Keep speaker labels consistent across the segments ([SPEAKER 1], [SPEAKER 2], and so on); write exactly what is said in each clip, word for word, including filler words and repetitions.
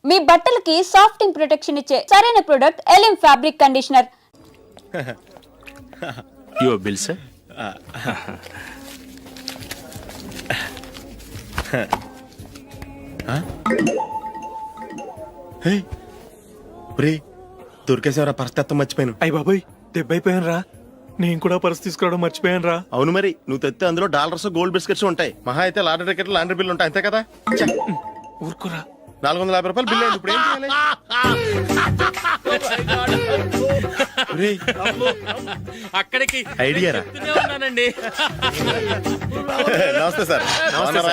[SPEAKER 1] మీ బట్టలకి సాఫ్టింగ్ ప్రొటెక్షన్ ఇచ్చే సరైన ప్రొడక్ట్ ఎలిమ్ fabric conditioner.
[SPEAKER 2] Your bill sir.
[SPEAKER 3] దొరికేసేవరా పరిస్థితి మర్చిపోయాను.
[SPEAKER 4] అయ్య బాబాయ్ దెబ్బైపోయాను రా. నేను కూడా పర్స్ తీసుకురావడం మర్చిపోయాను రా.
[SPEAKER 3] అవును మరి నువ్వు తెస్తే అందులో డాలర్స్ గోల్డ్ బిస్కెట్స్ ఉంటాయి. మహా అయితే లాటరీ టికెట్ లాండ్రీ బిల్లు ఉంటాయి అంతే కదా.
[SPEAKER 4] ఊరుకురా.
[SPEAKER 3] నాలుగు వందల యాభై రూపాయలు బిల్లు అయింది. ఇప్పుడు ఏం చేయాలి? ఒరేయ్,
[SPEAKER 2] అక్కడికి
[SPEAKER 3] ఐడియా రా.
[SPEAKER 2] ఉన్నానండి.
[SPEAKER 3] నమస్తే సార్. బాగున్నారా?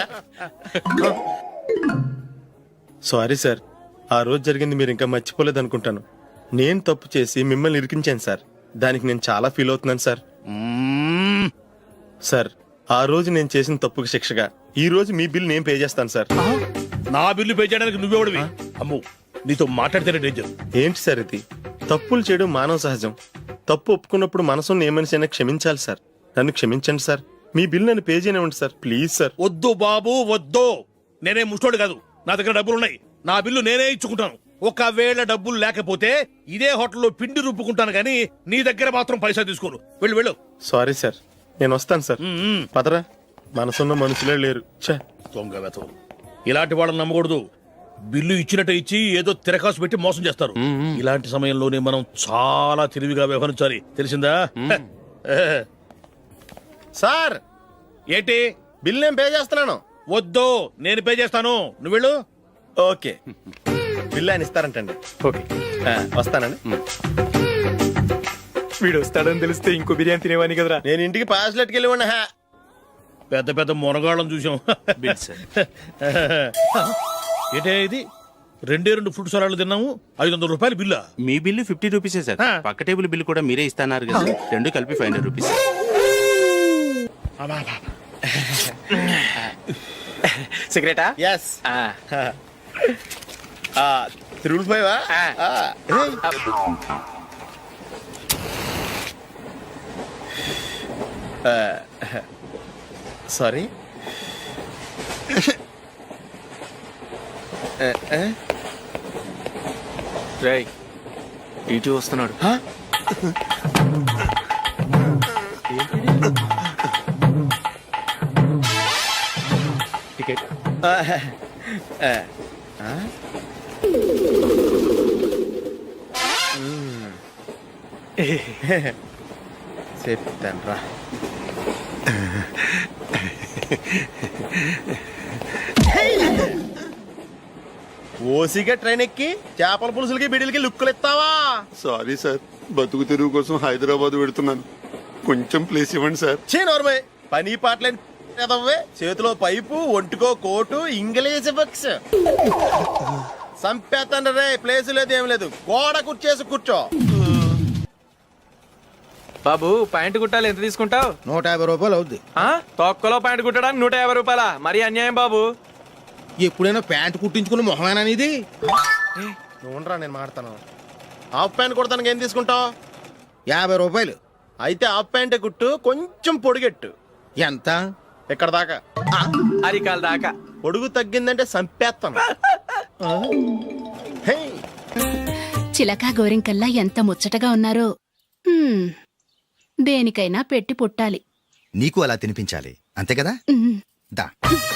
[SPEAKER 3] సారీ సార్, ఆ రోజు జరిగింది మీరు ఇంకా మర్చిపోలేదు అనుకుంటాను. నేను తప్పు చేసి మిమ్మల్ని ఇరికించాను సార్. దానికి నేను చాలా ఫీల్ అవుతున్నాను సార్. సార్, ఆ రోజు నేను చేసిన తప్పుకి శిక్షగా ఈ రోజు మీ బిల్ నేను పే చేస్తాను సార్.
[SPEAKER 5] నా బిల్లు పే చేయడానికి నువ్వెవడివి? అమ్ము, నీతో మాట్లాడితేనే డేంజర్.
[SPEAKER 3] ఏంటి సార్ ఇది? తప్పులు చేయడం మానవ సహజం. తప్పు ఒప్పుకున్నప్పుడు మనసుని ఏ మనిషి అయినా క్షమించాలి సార్. నన్ను క్షమించండి సార్. మీ బిల్ నన్ను పే చేయనివ్వండి సార్, ప్లీజ్ సార్.
[SPEAKER 5] వద్దు బాబు వద్దు. నేనే ముష్టోడు కాదు, నా దగ్గర డబ్బులు ఉన్నాయి. నా బిల్లు నేనే ఇచ్చుకుంటాను. ఒకవేళ డబ్బులు లేకపోతే ఇదే హోటల్లో పిండి రుబ్బుకుంటాను గానీ నీ దగ్గర మాత్రం పైసా తీసుకోను. వెళ్ళు వెళ్ళు.
[SPEAKER 3] సారీ సార్, నేను వస్తాను సార్. పదరా, మనసున్న మనుషులే లేరు. ఛే,
[SPEAKER 5] దొంగ వెతవు. ఇలాంటి వాళ్ళని నమ్మకూడదు. బిల్లు ఇచ్చినట్టు ఇచ్చి ఏదో తిరకాసు పెట్టి మోసం చేస్తారు. ఇలాంటి సమయంలోనే మనం చాలా తెలివిగా వ్యవహరించాలి, తెలిసిందా?
[SPEAKER 3] సార్
[SPEAKER 5] ఏంటి?
[SPEAKER 3] బిల్ నేను పే చేస్తున్నాను.
[SPEAKER 5] వద్దు, నేను పే చేస్తాను. నువ్వు వెళ్ళు.
[SPEAKER 3] ఓకే, బిల్ ఆయన ఇస్తారంటండి.
[SPEAKER 4] ఓకే,
[SPEAKER 3] ఆ, వస్తానండి.
[SPEAKER 4] వీడు వస్తాడని తెలిస్తే ఇంకో బిర్యానీ తినేవాని కదరా.
[SPEAKER 3] నేను ఇంటికి పాస్లెట్కి వెళ్ళివ్వండి. హా,
[SPEAKER 5] పెద్ద పెద్ద మునగాళ్ళం చూసాం.
[SPEAKER 2] Bill sir.
[SPEAKER 5] ఏంటే ఇది? రెండే రెండు ఫుడ్ సలాడ్లు తిన్నాము, ఐదు వందల రూపాయలు బిల్లా?
[SPEAKER 2] మీ బిల్లు ఫిఫ్టీ రూపీసే సార్.
[SPEAKER 5] ఆ.
[SPEAKER 2] పక్క టేబుల్ బిల్ కూడా మీరే ఇస్తాన్నారు కదా. రెండు కలిపి ఫైవ్ హండ్రెడ్ రూపీస్.
[SPEAKER 4] సిగరెటా?
[SPEAKER 3] ఎస్. Triple five. సారీ.
[SPEAKER 2] రేయ్, ఇటు వస్తున్నాడు.
[SPEAKER 4] టికెట్.
[SPEAKER 3] చెప్తాను రా. ఓసిగా ట్రైన్ ఎక్కి చేపల పులుసులకి బిడిలకి లుక్కులు ఇస్తావా?
[SPEAKER 6] సారీ సార్, బతుకు తెరువు కోసం హైదరాబాద్ పెడుతున్నాను. కొంచెం ప్లేస్ ఇవ్వండి సార్.
[SPEAKER 3] చే నోర్మే, పని పాటలేని ఎదవ్వే. చేతిలో పైపు, ఒంటికో కోటు, ఇంగ్లీష్ బుక్స్. సంపేతండ్రి రే, ప్లేస్ లేదు ఏం లేదు. గోడ కుర్చేసి కూర్చో.
[SPEAKER 4] బాబు ప్యాంటు కుట్టాలి, ఎంత తీసుకుంటావు?
[SPEAKER 7] నూట యాభై రూపాయలు అవుద్ది.
[SPEAKER 4] తొక్కలో ప్యాంటు కుట్టడానికి నూట యాభై రూపాయల? మరి అన్యాయం బాబు.
[SPEAKER 7] ఎప్పుడైనా ప్యాంటు కుట్టించుకున్న మొహమేనా ఇది?
[SPEAKER 3] నువ్వురా, నేను మాడతాను. హాఫ్ ప్యాంట్ కుడతానికి ఏం తీసుకుంటావు?
[SPEAKER 7] యాభై రూపాయలు.
[SPEAKER 3] అయితే హాఫ్ ప్యాంటే కుట్టు, కొంచెం పొడిగెట్టు.
[SPEAKER 7] ఎంత?
[SPEAKER 3] ఎక్కడ దాకా?
[SPEAKER 4] అరికాల దాకా.
[SPEAKER 3] పొడుగు తగ్గిందంటే సంపేస్తాను. హే,
[SPEAKER 8] చిలకా గోరింకల్లా ఎంత ముచ్చటగా ఉన్నారో. హ్మ్, దేనికైనా పెట్టి పుట్టాలి.
[SPEAKER 9] నీకు అలా తినిపించాలి, అంతే కదా?
[SPEAKER 8] ఉమ్.
[SPEAKER 9] దా.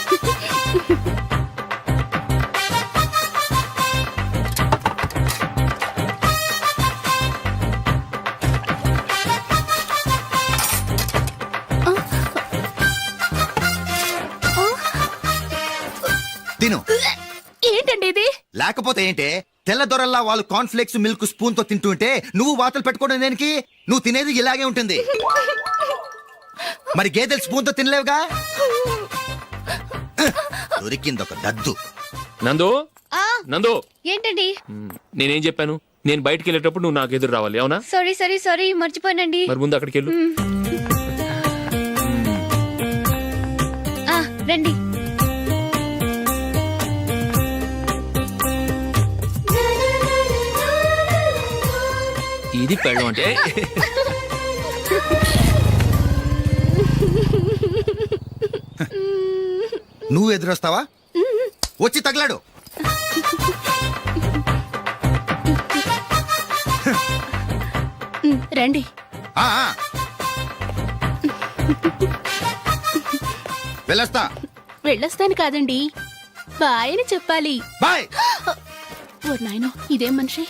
[SPEAKER 9] తిను.
[SPEAKER 8] ఏంటండి ఇది?
[SPEAKER 9] లేకపోతే ఏంటే? తెల్లదొరల్లా వాళ్ళు కార్న్ఫ్లేక్స్ మిల్క్ స్పూన్ తో తింటుంటే నువ్వు వాతలు పెట్టుకోవడం దేనికి? నువ్వు తినేది ఇలాగే ఉంటుంది. మరి గేదెలు స్పూన్ తో తినలేవుగా. దొరికింది ఒక దద్దు.
[SPEAKER 2] నందు, నందు,
[SPEAKER 10] ఏంటండి?
[SPEAKER 2] నేనేం చెప్పాను? నేను బయటికి వెళ్ళేటప్పుడు నువ్వు నాకు ఎదురు రావాలి, అవునా?
[SPEAKER 10] సారీ సారీ సారీ మర్చిపోయానండి.
[SPEAKER 2] మరి ముందు అక్కడికి వెళ్ళు.
[SPEAKER 10] ఆ, రండి.
[SPEAKER 2] ఇది పెళ్ళం అంటే.
[SPEAKER 9] నువ్వు ఎదురొస్తావా? వచ్చి తగలాడు.
[SPEAKER 8] రండి.
[SPEAKER 9] ఆ, ఆ. వెళ్ళొస్తా.
[SPEAKER 8] వెళ్ళొస్తాను కాదండి, బాయ్ అని చెప్పాలి.
[SPEAKER 9] బాయ్.
[SPEAKER 8] ఓ నాయనో, ఇదేం మనిషి.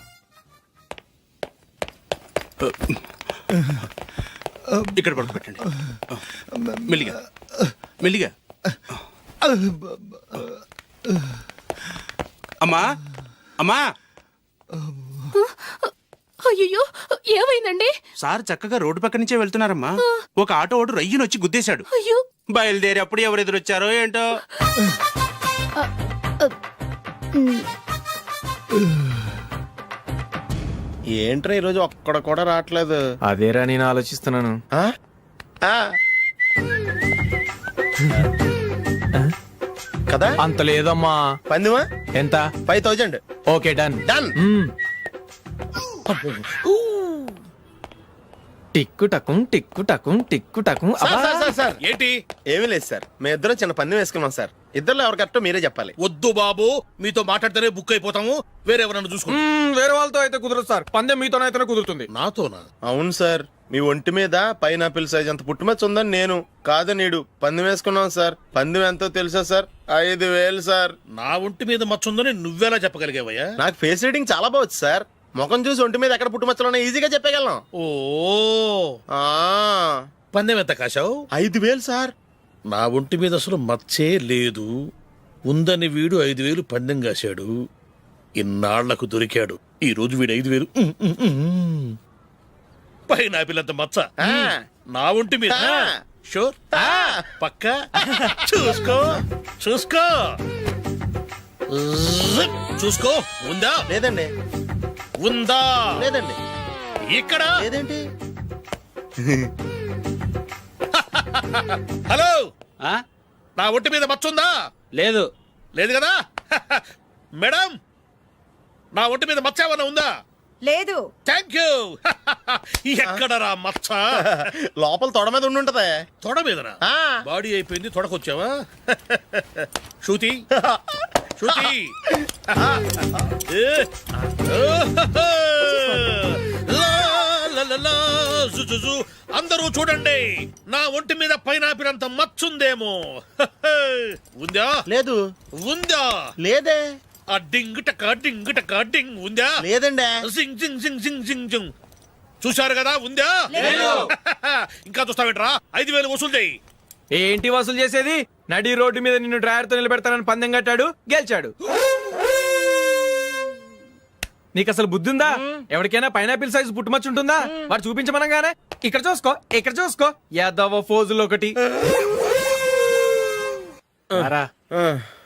[SPEAKER 5] ఇక్కడ పడుకోబెట్టండి. మెల్లిగా మెల్లిగా. అమ్మా అమ్మా,
[SPEAKER 8] అయ్యో, ఏమైందండి?
[SPEAKER 11] సార్ చక్కగా రోడ్డు పక్క నుంచే వెళ్తున్నారమ్మా. ఒక ఆటో ఓడు రయ్యను వచ్చి గుద్దేశాడు.
[SPEAKER 8] అయ్యో,
[SPEAKER 11] బయలుదేరి అప్పుడు ఎవరు ఎదురొచ్చారో ఏంటో.
[SPEAKER 3] ఏంట్రా ఈరోజు ఒక్కడ కూడా రావట్లేదు.
[SPEAKER 4] అదేరా నేను ఆలోచిస్తున్నాను.
[SPEAKER 3] ఆ? ఆ. కదా
[SPEAKER 4] అంత లేదమ్మా.
[SPEAKER 3] పందిమా
[SPEAKER 4] ఎంత?
[SPEAKER 3] Five thousand.
[SPEAKER 4] Okay, done
[SPEAKER 3] done.
[SPEAKER 4] టిక్కు టకుం టిక్కు టకుం టిక్కు టకుం.
[SPEAKER 3] Sir, sir, sir, sir.
[SPEAKER 5] ఏంటి?
[SPEAKER 3] ఏమీ లేదు సార్, మేము ఇద్దరం చిన్న పందెం వేసుకున్నాం సార్. ఇద్దరు ఎవరు కరెక్టో మీరే చెప్పాలి.
[SPEAKER 5] వద్దు బాబు, మీతో మాట్లాడితేనే బుక్ అయిపోతాము. వేరే ఎవరన్నా చూసుకోండి.
[SPEAKER 4] వేరే వాళ్ళతో అయితే కుదరదు సార్, పందెం మీతోనైతేనే కుదురుతుంది.
[SPEAKER 5] నాతోనా?
[SPEAKER 3] అవును సార్, మీ ఒంటి మీద పైనాపిల్ సైజ్ అంత పుట్టుమచ్చ ఉందని నేను కాదు నీడు పందెం వేసుకున్నాం సార్. పందెం ఎంతో తెలుసా సార్? ఐదు వేలు సార్.
[SPEAKER 5] నా ఒంటి మీద మచ్చ ఉందని నువ్వెలా చెప్పగలిగావయ్యా?
[SPEAKER 3] నాకు ఫేస్ రీడింగ్ చాలా బాగుంది సార్. ముఖం చూసి ఒంటి మీద ఎక్కడ పుట్టుమచ్చలో ఈజీగా చెప్పగలను.
[SPEAKER 5] ఓ,
[SPEAKER 3] ఆ,
[SPEAKER 5] పందెం ఎంత కాశావు?
[SPEAKER 3] ఐదు వేలు సార్.
[SPEAKER 5] నా ఒంటి మీద అసలు మచ్చే లేదు. ఉందని వీడు ఐదు వేలు పందెం కాశాడు. ఇన్నాళ్లకు దొరికాడు. ఈ రోజు వీడు ఐదు వేలు ఉమ్, ఉమ్, ఉమ్. పైన పిల్లంత మచ్చ
[SPEAKER 3] ఆ.
[SPEAKER 5] నా ఒంటి మీద.
[SPEAKER 3] ఆ.
[SPEAKER 5] షూర్?
[SPEAKER 3] ఆ.
[SPEAKER 5] పక్క చూసుకో చూసుకో జిప్. చూసుకో. ఉందా?
[SPEAKER 3] లేదండి.
[SPEAKER 5] ఉందా?
[SPEAKER 3] లేదండి.
[SPEAKER 5] ఇక్కడ
[SPEAKER 3] లేదేంటి?
[SPEAKER 5] హలో,
[SPEAKER 11] ఆ?
[SPEAKER 5] నా ఒంటి మీద మచ్చ ఉందా?
[SPEAKER 11] లేదు.
[SPEAKER 5] లేదు కదా? మేడం, నా ఒంటి మీద మచ్చ ఏమన్నా ఉందా?
[SPEAKER 12] లేదు.
[SPEAKER 5] Thank you. ఎక్కడరా మచ్చ?
[SPEAKER 3] లోపల తొడ మీద ఉండి ఉంటదే.
[SPEAKER 5] తొడ మీదనా?
[SPEAKER 3] ఆ.
[SPEAKER 5] బాడీ అయిపోయింది, తొడకొచ్చావా? శృతి శృతి. ఏ. లా, లా, లా, లా, జు, జు, జు. అందరూ చూడండి, నా ఒంటి మీద పైనాపిల్ అంత మచ్చుందేమో. ఉందా?
[SPEAKER 3] లేదు.
[SPEAKER 5] ఉందా?
[SPEAKER 3] లేదే.
[SPEAKER 5] ఆ డింగ్ టక డింగ్ టక డింగ్ ఉందా?
[SPEAKER 3] లేదండి.
[SPEAKER 5] జింగ్ జింగ్ జింగ్ జింగ్ జింగ్ జింగ్. చూశారు కదా? ఉందా? ఇంకా చూస్తావేంట్రా? ఐదు వేలు వసూలు చేయి.
[SPEAKER 4] ఏంటి వసూలు చేసేది? నడి రోడ్డు మీద నిన్ను డ్రైవర్ తో నిలబెడతానని పందెం కట్టాడు, గెలిచాడు. నీకు అసలు బుద్ధి ఉందా? ఎవరికైనా పైనాపిల్ సైజ్ పుట్టుమచ్చు ఉంటుందా? వాడు చూపించమనగానే ఇక్కడ చూసుకో, ఇక్కడ చూసుకో, యాదవ ఫోజులు ఒకటి. రా.
[SPEAKER 3] ఆ.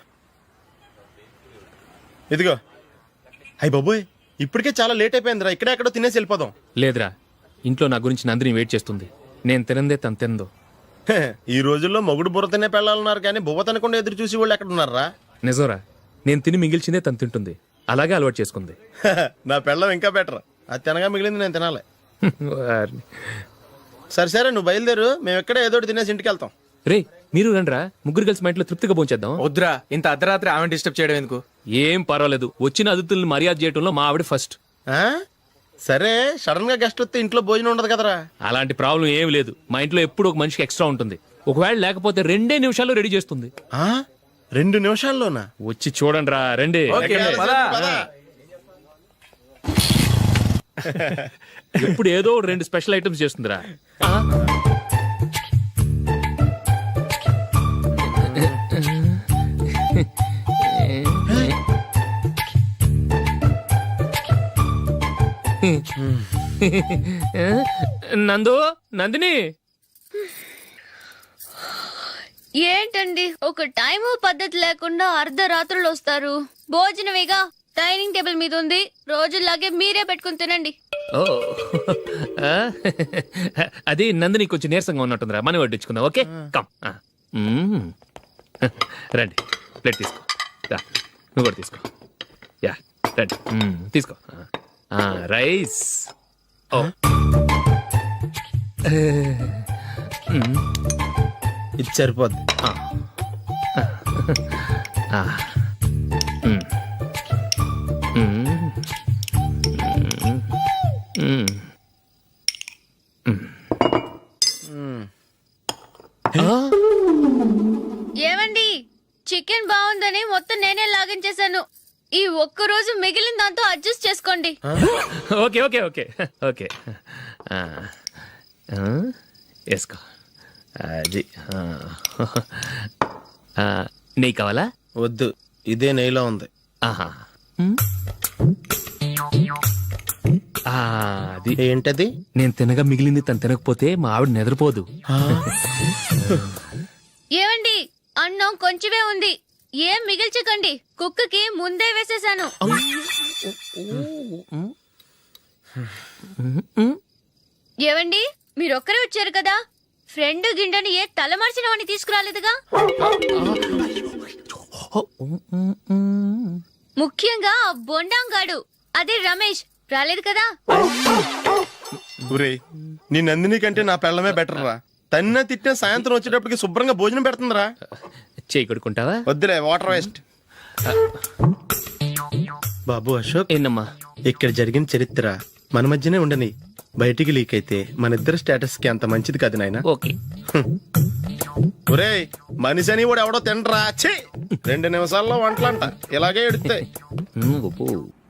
[SPEAKER 3] ఇదిగో. అయ్య బాబోయ్, ఇప్పటికే చాలా లేట్ అయిపోయిందిరా. ఇక్కడే ఎక్కడో తినేసి వెళ్ళిపోదాం.
[SPEAKER 2] లేదురా, ఇంట్లో నా గురించి నందిని వెయిట్ చేస్తుంది. నేను తినందే తను తిందో.
[SPEAKER 3] హే, ఈ రోజుల్లో మొగుడు బుర్ర తినే పెళ్ళాలన్నారు కానీ బువ్వ తినకుండా ఎదురు చూసి వాళ్ళు ఎక్కడ ఉన్నారా?
[SPEAKER 2] నిజంరా, నేను తిని మిగిల్చిందే తను తింటుంది. అలాగే అలవాటు చేసుకుంది.
[SPEAKER 3] నా పెళ్ళం ఇంకా బెటర్. అది తినగా మిగిలింది నేను తినాలి.
[SPEAKER 2] వారిని.
[SPEAKER 3] సరే సరే, నువ్వు బయలుదేరు. మేము ఎక్కడ ఏదో ఒకటి తినేసి ఇంటికి వెళ్తాం.
[SPEAKER 2] రే, మీరు రండ్రా, ముగ్గురు కలిసి మా ఇంట్లో తృప్తిగా పోంచేద్దాం.
[SPEAKER 4] వద్దురా, ఇంత అర్ధరాత్రి ఆమె డిస్టర్బ్ చేయడం ఎందుకు?
[SPEAKER 2] ఏం పర్వాలేదు, వచ్చిన అతిథుల్ని మర్యాద చేయడంలో మా ఆవిడ ఫస్ట్.
[SPEAKER 3] ఆ? సరే, సడన్ గా గెస్ట్ వస్తే ఇంట్లో భోజనం ఉండదు కదరా.
[SPEAKER 2] అలాంటి ప్రాబ్లం ఏం లేదు. మా ఇంట్లో ఎప్పుడు ఒక మనిషికి ఎక్స్ట్రా ఉంటుంది. ఒకవేళ లేకపోతే రెండే నిమిషాల్లో రెడీ చేస్తుంది.
[SPEAKER 3] ఆ? రెండు నిమిషాల్లోనా?
[SPEAKER 2] వచ్చి చూడండి రా, రండి.
[SPEAKER 4] ఓకే, పద.
[SPEAKER 2] ఇప్పుడు ఏదో రెండు స్పెషల్ ఐటమ్స్ చేస్తుందిరా. నందు, నందిని.
[SPEAKER 10] ఏంటండి ఒక టైము పద్ధతి లేకుండా అర్ధరాత్రులు వస్తారు? భోజనమేగా డైనింగ్ టేబుల్ మీద ఉంది, రోజుల్లాగే మీరే పెట్టుకుని తినండి.
[SPEAKER 2] ఓ, ఆ? అది నందిని కొంచెం నీరసంగా ఉన్నట్టుందిరా, మనీ వడ్డించుకుందాం. Okay, come. ఆ. మ్మ్. రండి, ప్లేట్ తీసుకో. రా, నువ్వు కూడా తీసుకో. యా, రండి. మ్మ్, తీసుకో. ఆ, రైస్. ఓ. మ్మ్.
[SPEAKER 3] ఇది సరిపోద్ది.
[SPEAKER 2] ఆ. ఆ. మ్మ్. మ్మ్. మ్మ్. మ్మ్.
[SPEAKER 10] ఈ ఒక్క రోజు మిగిలిన దాంతో అడ్జస్ట్ చేసుకోండి.
[SPEAKER 2] ఓకే ఓకే ఓకే ఓకే ఆ, ఆ, వేసుకో అది ఆ. ఆ, నెయ్యి కావాలా?
[SPEAKER 3] వద్దు, ఇదే నెయ్యిలో ఉంది.
[SPEAKER 2] ఆహా ఉమ్. ఆ, అది
[SPEAKER 3] ఏంటది?
[SPEAKER 2] నేను తినగా మిగిలింది తను తినకపోతే మా ఆవిడ నిద్రపోదు.
[SPEAKER 10] ఏమండి, అన్నం కొంచెమే ఉంది, ఏం మిగిల్చకండి. కుక్కకి ముందే వేసేసాను. ఏవండి, మీరొక్కరే వచ్చారు కదా, ఫ్రెండ్ గిండెని ఏ తలమార్చిన వాడిని తీసుకురాలేదుగా. ముఖ్యంగా ఆ బొండాంగాడు, అదే రమేష్, రాలేదు కదా.
[SPEAKER 3] ఒరేయ్, నీ నందిని కంటే నా పెళ్ళమే బెటర్ రా. తన్న తిట్టిన సాయంత్రం వచ్చేటప్పటికి శుభ్రంగా భోజనం పెడుతుందిరా.
[SPEAKER 2] చేయి కొడుకుంటావా?
[SPEAKER 3] వద్దులే, వాటర్ వేస్ట్. బాబు అశోక్,
[SPEAKER 2] ఏంటమ్మా?
[SPEAKER 3] ఇక్కడ జరిగిన చరిత్ర మన మధ్యనే ఉండని, బయటికి లీక్ అయితే మన ఇద్దరు స్టేటస్ కి అంత మంచిది కాదు నాయన.
[SPEAKER 2] ఓకే.
[SPEAKER 3] ఒరేయ్, మనిషి అని కూడా ఎవడో తినరా. ఛీ, రెండు నిమిషాల్లో వంటలంట ఇలాగే ఎడుతాయి.
[SPEAKER 2] ఉమ్, ఉప్పు.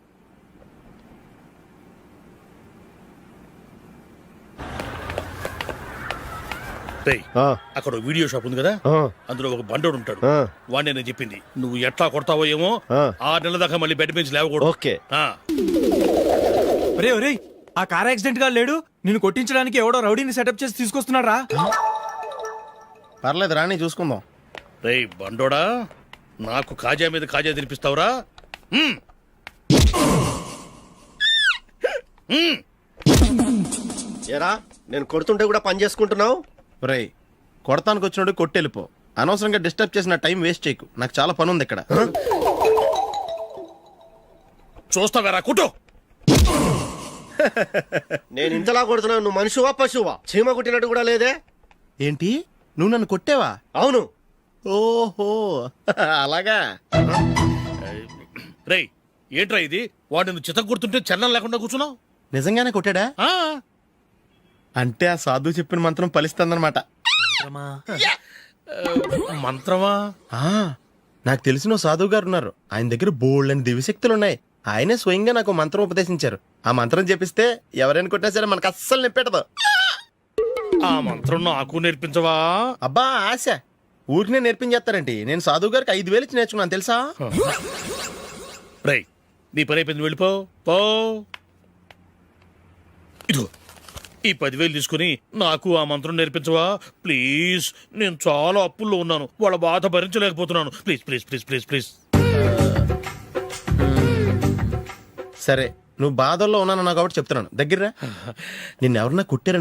[SPEAKER 5] రేయ్, అక్కడ ఓ వీడియో షాప్ ఉంది కదా, అందులో ఒక బండోడు ఉంటాడు. వాడిని నేను చెప్పింది, నువ్వు ఎట్లా కొడతావో ఏమో, ఆరు నెలల దాకా మళ్ళీ బెడ్ పెంచి లేవకూడదు.
[SPEAKER 3] ఓకే.
[SPEAKER 5] ఆ.
[SPEAKER 4] ఒరే ఒరే, ఆ కార్ యాక్సిడెంట్ గా లేడు, నిన్ను కొట్టించడానికి ఎవడో రౌడీని సెటప్ చేసి తీసుకొస్తున్నాడు రా.
[SPEAKER 3] పర్లేదు రాని, చూసుకుందాం.
[SPEAKER 5] రేయ్ బండోడా, నాకు కాజా మీద కాజా తినిపిస్తావురా? మ్మ్. మ్మ్.
[SPEAKER 7] ఏరా, నేను కొడుతుంటే కూడా పని చేసుకుంటున్నావు.
[SPEAKER 3] ఒరేయ్, కొడతానికి వచ్చినోడు కొట్టెళ్ళిపో. అనవసరంగా డిస్టర్బ్ చేసిన టైం వేస్ట్ చేయకు, నాకు చాలా పని ఉంది ఇక్కడ.
[SPEAKER 5] చూస్తావేరా కుట్టు.
[SPEAKER 7] నేను ఇంతలా కొడుతున్నావు, నువ్వు మనిషివా పశువా? చీమ కుట్టినట్టు కూడా లేదే.
[SPEAKER 3] ఏంటి, నువ్వు నన్ను కొట్టేవా?
[SPEAKER 7] అవును.
[SPEAKER 3] ఓహో, అలాగా.
[SPEAKER 5] రేయ్, ఏంట్రా ఇది? వాడు నువ్వు చిత్త గుర్తుంటే చలనం లేకుండా కూర్చున్నావు.
[SPEAKER 3] నిజంగానే కొట్టాడా?
[SPEAKER 5] ఆ.
[SPEAKER 3] అంటే ఆ సాధువు చెప్పిన మంత్రం ఫలిస్తుందన్నమాట.
[SPEAKER 5] మంత్రమా?
[SPEAKER 3] ఆ, నాకు తెలిసిన ఓ సాధువు గారు ఉన్నారు. ఆయన దగ్గర బోల్డ్ అని దివ్యశక్తులు ఉన్నాయి. ఆయనే స్వయంగా నాకు మంత్రం ఉపదేశించారు. ఆ మంత్రం చెప్పిస్తే ఎవరైనా కొట్టినా సరే మనకు అస్సలు నిప్పెట్టదు.
[SPEAKER 5] ఆ మంత్రం నాకు నేర్పించవా?
[SPEAKER 3] అబ్బా ఆశ, ఊరినే నేర్పించేస్తారండి. నేను సాధువు గారికి ఐదు వేలు ఇచ్చి నేర్చుకున్నాను తెలుసా.
[SPEAKER 5] రేయ్, నీ పని అయిపోయింది, వెళ్ళిపో పో. ఇదిగో ఈ పదివేలు తీసుకుని నాకు ఆ మంత్రం నేర్పించవా ప్లీజ్? నేను చాలా అప్పుల్లో ఉన్నాను, వాళ్ళ బాధ భరించలేకపోతున్నాను. Please please please please please.
[SPEAKER 3] సరే, నువ్వు బాధల్లో ఉన్నాను నాకు కాబట్టి చెప్తున్నాను. దగ్గర నిన్ను ఎవరన్నా కుట్టారు